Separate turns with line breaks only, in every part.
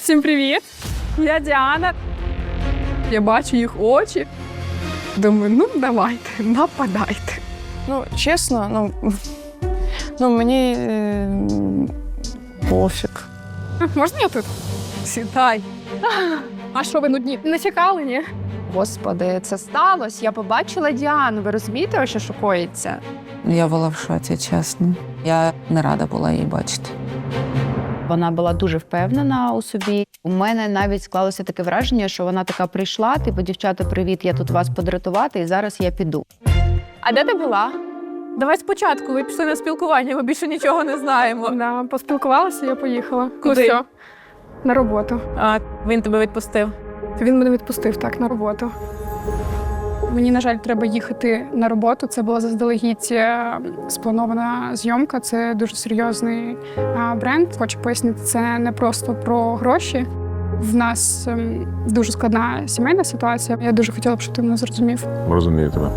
Всім привіт! Я Діана. Я бачу їх очі. Думаю, ну давайте, нападайте.
Ну, чесно, мені пофіг.
Можна я тут? Сідай. А що, ви нудні? Не чекали, ні?
Господи, це сталося. Я побачила Діану. Ви розумієте, що коїться?
Я була в шоці, чесно. Я не рада була її бачити.
Вона була дуже впевнена у собі. У мене навіть склалося таке враження, що вона така прийшла, типу, дівчата, привіт, я тут вас подратувати, і зараз я піду.
А де ти була?
Давай спочатку, ви пішли на спілкування, ми більше нічого не знаємо. Да, поспілкувалася, я поїхала.
Куди?
Ну, все. На роботу.
А, він тебе відпустив.
Він мене відпустив, так, на роботу. Мені, на жаль, треба їхати на роботу. Це була заздалегідь спланована зйомка. Це дуже серйозний бренд. Хочу пояснити, це не просто про гроші. В нас дуже складна сімейна ситуація. Я дуже хотіла б, щоб ти мене зрозумів.
Розумію тебе.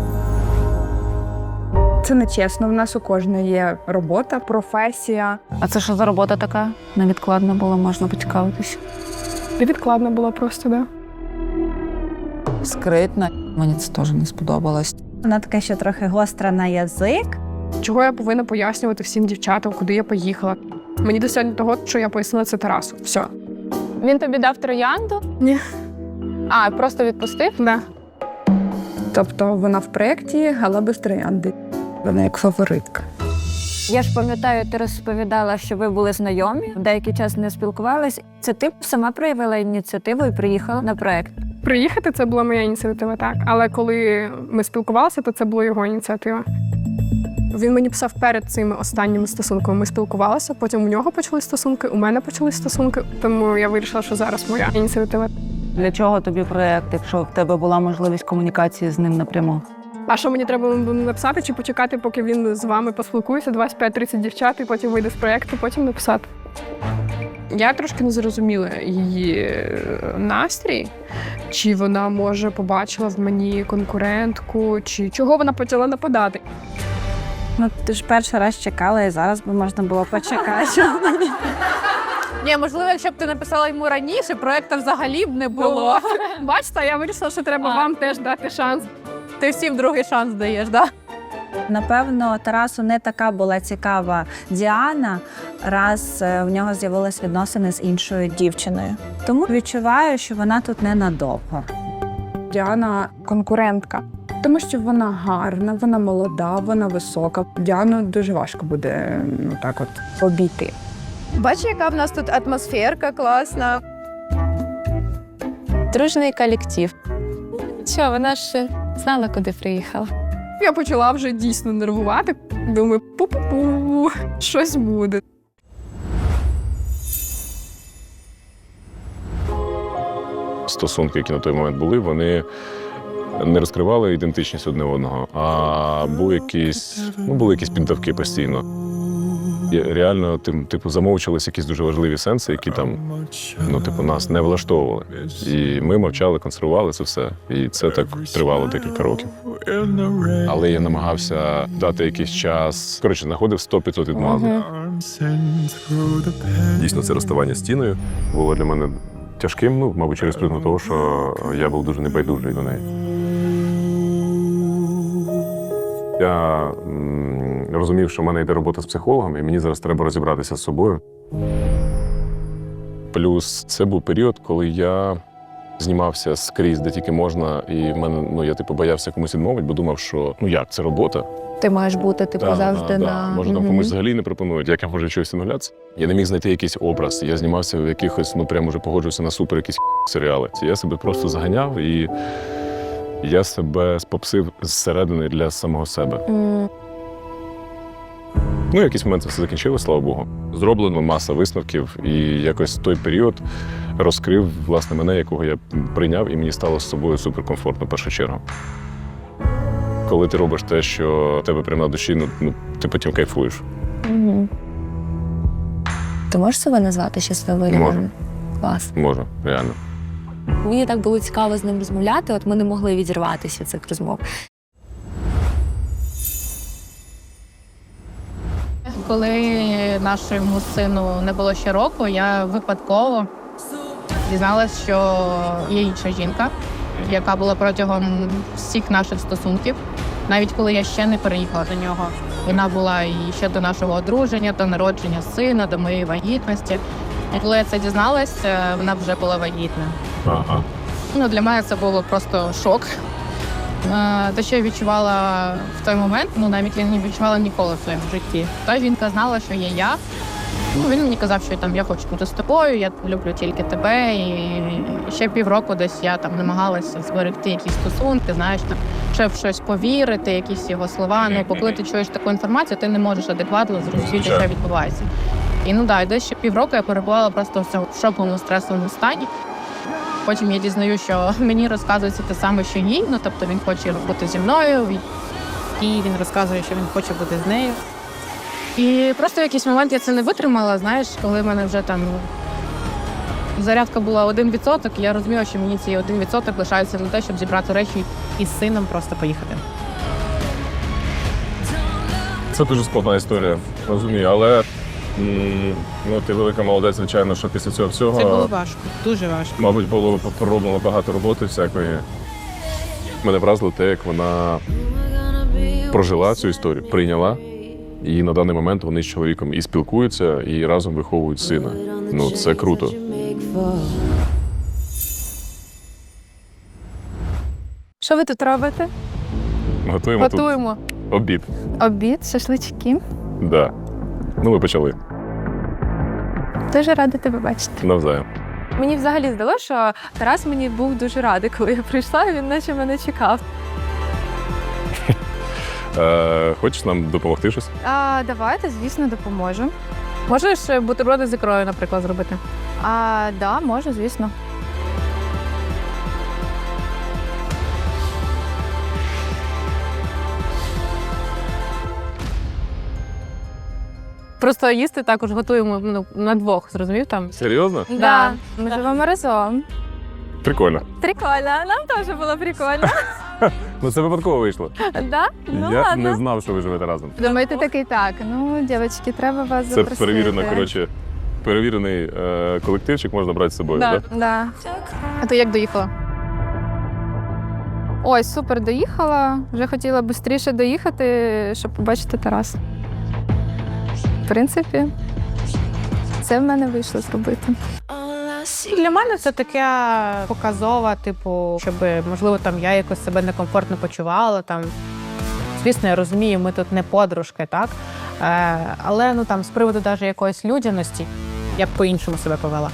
Це не чесно. В нас у кожної є робота, професія.
А це що за робота така? Невідкладна була, можна поцікавитися.
Невідкладно було просто, да.
Скритна. Мені це теж не сподобалось.
Вона така, що трохи гостра на язик.
Чого я повинна пояснювати всім дівчатам, куди я поїхала? Мені досягнення того, що я пояснила це Тарасу. Все.
Він тобі дав троянду?
Ні.
А, просто відпустив?
Да.
Тобто вона в проєкті, але без троянди. Вона як фаворитка.
Я ж пам'ятаю, ти розповідала, що ви були знайомі, деякий час не спілкувались. Це ти сама проявила ініціативу і приїхала на проект.
Приїхати – це була моя ініціатива, так. Але коли ми спілкувалися, то це була його ініціатива. Він мені писав перед цими останніми стосунками. Ми спілкувалися, потім у нього почались стосунки, у мене почались стосунки. Тому я вирішила, що зараз моя ініціатива.
Для чого тобі проєкт, якщо в тебе була можливість комунікації з ним напряму?
А що мені треба написати чи почекати, поки він з вами поспілкується, 25-30 дівчат, і потім вийде з проєкту, потім написати?
Я трошки не зрозуміла її настрій.
Чи вона, може, побачила в мені конкурентку, чи чого вона почала нападати?
Ну, ти ж перший раз чекала, і зараз би можна було почекати.
Ні, можливо, якщо б ти написала йому раніше, проєкту взагалі б не було.
Бачите, я вирішила, що треба вам теж дати шанс.
Ти всім другий шанс даєш, так?
Напевно, Тарасу не така була цікава Діана, раз в нього з'явились відносини з іншою дівчиною. Тому відчуваю, що вона тут ненадовго.
Діана конкурентка. Тому що вона гарна, вона молода, вона висока. Діану дуже важко буде так от обійти.
Бачиш, яка в нас тут атмосферка класна. Дружний колектив. Що, вона ж знала, куди приїхала.
Я почала вже дійсно нервувати. Думаю, пу-пу-пу, щось буде.
Стосунки, які на той момент були, вони не розкривали ідентичність одне одного, а були якісь піддавки постійно. Реально, замовчувалися якісь дуже важливі сенси, які там, нас не влаштовували. І ми мовчали, консервували це все. І це так тривало декілька років. Але я намагався дати якийсь час. Коротше, знаходив 100-500 відмазок. Дійсно, це розставання з Тіною було для мене тяжким, мабуть, через призму того, що я був дуже небайдужий до неї. Я розумів, що в мене йде робота з психологом, і мені зараз треба розібратися з собою. Плюс це був період, коли я знімався скрізь, де тільки можна, і в мене, я боявся комусь відмовити, бо думав, що, це робота.
Ти маєш бути, завжди на...
Може, там комусь взагалі не пропонують, як я можу чогось відмовлятися. Я не міг знайти якийсь образ. Я знімався в якихось, прямо вже погоджувався на супер якісь серіали. Я себе просто заганяв, і я себе спопсив зсередини для самого себе. Якийсь момент це все закінчилося, слава Богу. Зроблено маса висновків, і якось той період розкрив, власне, мене, якого я прийняв, і мені стало з собою суперкомфортно в першу чергу. Коли ти робиш те, що в тебе прямо на душі, ти потім кайфуєш.
Ти можеш себе назвати щасливою?
Можу.
Клас.
Можу, реально.
Мені так було цікаво з ним розмовляти, от ми не могли відірватися цих розмов.
Коли нашому сину не було ще року, я випадково
Дізналась, що є інша жінка, яка була протягом всіх наших стосунків. Навіть коли я ще не переїхала до нього. Вона була і ще до нашого одруження, до народження сина, до моєї вагітності. І коли я це дізналась, вона вже була вагітна.
Ага.
Ну, для мене це було просто шок. Те, що я відчувала в той момент, навіть я не відчувала ніколи в своєму житті. Та жінка знала, що є я. Він мені казав, що я хочу бути з тобою, я люблю тільки тебе. І ще півроку десь я намагалася зберегти якісь стосунки, щоб в щось повірити, якісь його слова. Бо коли ти чуєш таку інформацію, ти не можеш адекватно зрозуміти, що відбувається. І десь ще півроку я перебувала просто в шоковому стресовому стані. Потім я дізнаю, що мені розказується те саме, що їй. Тобто він хоче бути зі мною, і він розказує, що він хоче бути з нею. І просто в якийсь момент я це не витримала, коли в мене вже зарядка була 1%, і я розуміла, що мені ці 1% лишаються на те, щоб зібрати речі і з сином просто поїхати.
Це дуже складна історія, розумію, але ти велика молодець, звичайно, що після цього всього...
Це було важко, дуже важко.
Мабуть, було пророблено багато роботи всякої. Мене вразило те, як вона прожила цю історію, прийняла. І на даний момент вони з чоловіком і спілкуються, і разом виховують сина. Це круто.
Що ви тут робите?
Готуємо тут обід.
Обід, шашлички.
Да. Ми почали.
Дуже рада тебе бачити.
Навзаєм.
Мені взагалі здалося, що Тарас мені був дуже радий, коли я прийшла, і він наче мене чекав.
Хочеш нам допомогти щось?
Давайте, звісно, допоможу.
Можеш бутерброди з ікрою, наприклад, зробити?
Да, можу, звісно.
Просто їсти також готуємо на двох, зрозумів там?
Серйозно?
Да. Ми живемо разом.
Прикольно.
Прикольно, нам теж було прикольно.
Це випадково вийшло.
Да?
Я не знав, що ви живете разом.
Думаєте, такий так. Дівчатки, треба вас
Це
запросити.
перевірений колективчик, можна брати з собою, так?
Да.
А ти як доїхала?
Ой, супер, доїхала. Вже хотіла швидше доїхати, щоб побачити Тараса. В принципі, це в мене вийшло зробити.
Для мене це таке показова, щоб, можливо, я якось себе некомфортно почувала. Звісно, я розумію, ми тут не подружки, так? Але з приводу навіть якоїсь людяності я б по-іншому себе повела.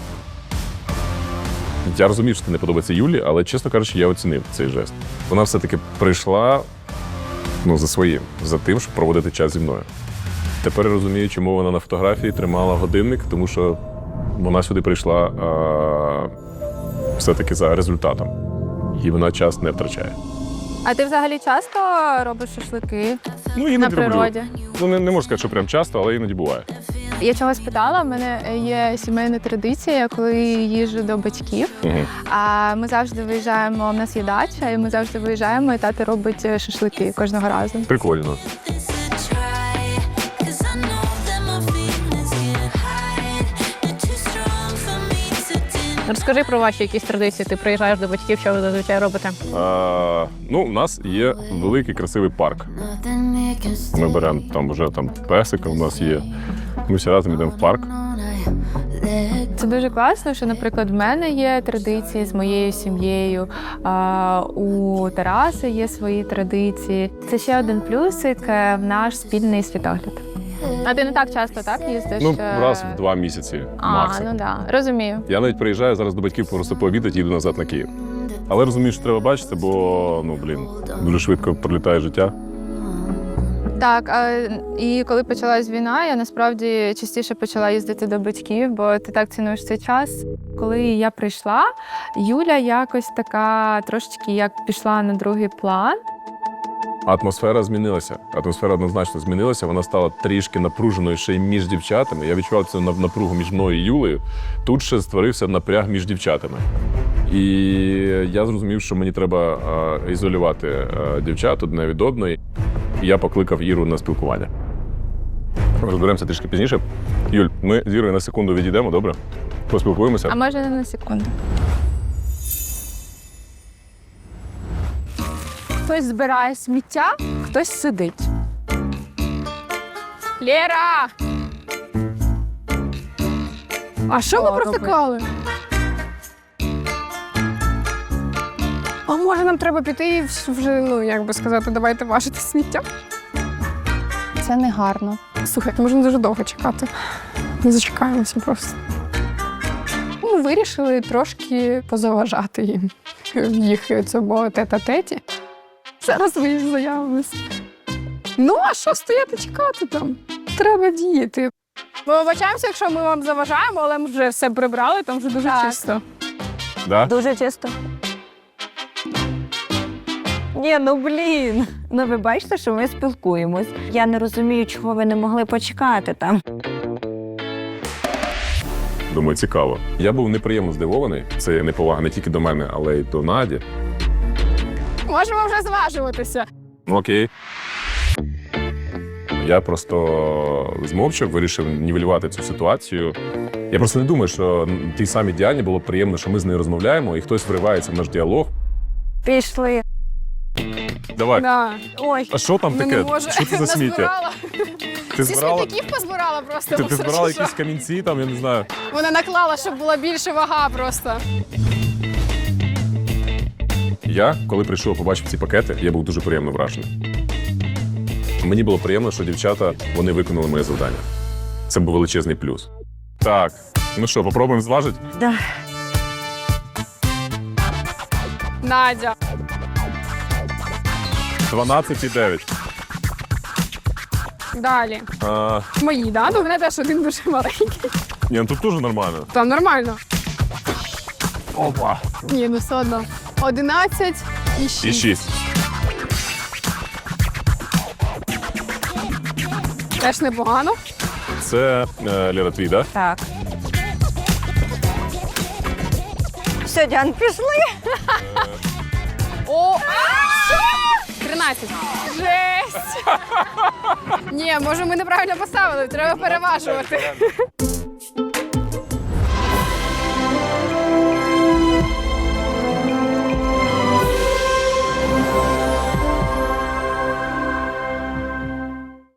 Я розумію, що це не подобається Юлі, але, чесно кажучи, я оцінив цей жест. Вона все-таки прийшла за своїм, за тим, щоб проводити час зі мною. Тепер я розумію, чому вона на фотографії тримала годинник, тому що вона сюди прийшла все-таки за результатом. І вона час не втрачає.
А ти взагалі часто робиш шашлики
Іноді
на природі?
Не можу сказати, що прям часто, але іноді буває.
Я чогось питала, в мене є сімейна традиція, коли їжджу до батьків. А ми завжди виїжджаємо, у нас є дача, і ми завжди виїжджаємо, і тато робить шашлики кожного разу.
Прикольно.
Розкажи про ваші якісь традиції. Ти приїжджаєш до батьків, що ви зазвичай робите?
У нас є великий красивий парк. Ми беремо вже песика, у нас є. Ми всі разом йдемо в парк.
Це дуже класно, що, наприклад, в мене є традиції з моєю сім'єю, у Тараса є свої традиції. Це ще один плюсик в наш спільний світогляд. А ти не так часто, так, їздиш?
Раз в 2 місяці максимум.
Розумію.
Я навіть приїжджаю зараз до батьків просто пообідати і їду назад на Київ. Але розумію, що треба бачити, бо, дуже швидко пролітає життя.
Так, і коли почалась війна, я насправді частіше почала їздити до батьків, бо ти так цінуєш цей час. Коли я прийшла, Юля якось така трошечки як пішла на другий план.
Атмосфера змінилася. Атмосфера однозначно змінилася. Вона стала трішки напруженою ще й між дівчатами. Я відчував цю напругу між мною і Юлею. Тут ще створився напряг між дівчатами. І я зрозумів, що мені треба ізолювати дівчат одне від одної. І я покликав Іру на спілкування. Розберемося трішки пізніше. Юль, ми з Вірою на секунду відійдемо, добре? Поспілкуємося.
А може не на секунду.
Хтось збирає сміття, хтось сидить. Лєра! А що ви провтикали? А може нам треба піти і вже, ну, як би сказати, давайте важити сміття?
Це не гарно.
Слухайте, можна дуже довго чекати. Не зачекаємося просто. Ну, вирішили трошки позаважати їм в їх цьому тет-а-теті. Зараз ви заявилися. Ну, а що стояти чекати там? Треба діяти. Ми вибачаємося, якщо ми вам заважаємо, але ми вже все прибрали, там вже дуже чисто.
Да?
Дуже чисто. Ні, ну блін. Ну ви бачите, що ми спілкуємось. Я не розумію, чого ви не могли почекати там.
Думаю, цікаво. Я був неприємно здивований. Це неповага не тільки до мене, але й до Наді.
Можемо вже зважуватися.
Ну, окей. Я просто змовчав, вирішив нівелювати цю ситуацію. Я просто не думаю, що тій самій Діані було б приємно, що ми з нею розмовляємо, і хтось вривається в наш діалог.
Пішли.
Давай.
Да.
Ой,
А що там
Ну, не
таке?
може.
Що це за сміття?
Назбирала.
Ти
Всі
збирала?
смітників позбирала просто.
Ти
бо
збирала
що?
якісь камінці, там, я не знаю.
Вона наклала, щоб була більше вага просто.
Я, коли прийшов, побачив ці пакети, я був дуже приємно вражений. Мені було приємно, що дівчата, вони виконали моє завдання. Це був величезний плюс. Так, ну що, попробуємо зважити?
да.
Надя.
12,9.
Далі. Мої, да? Ну, в мене теж один дуже маленький.
Ні, ну тут теж нормально.
Там нормально.
Опа.
Ні, ну все одно. 11 і 6.
І 6.
Теж непогано.
Це Лера, твій, так?
Так. Все, Діан, пішли.
О, що? 13. Жесть! Ні, може ми неправильно поставили, треба переважувати.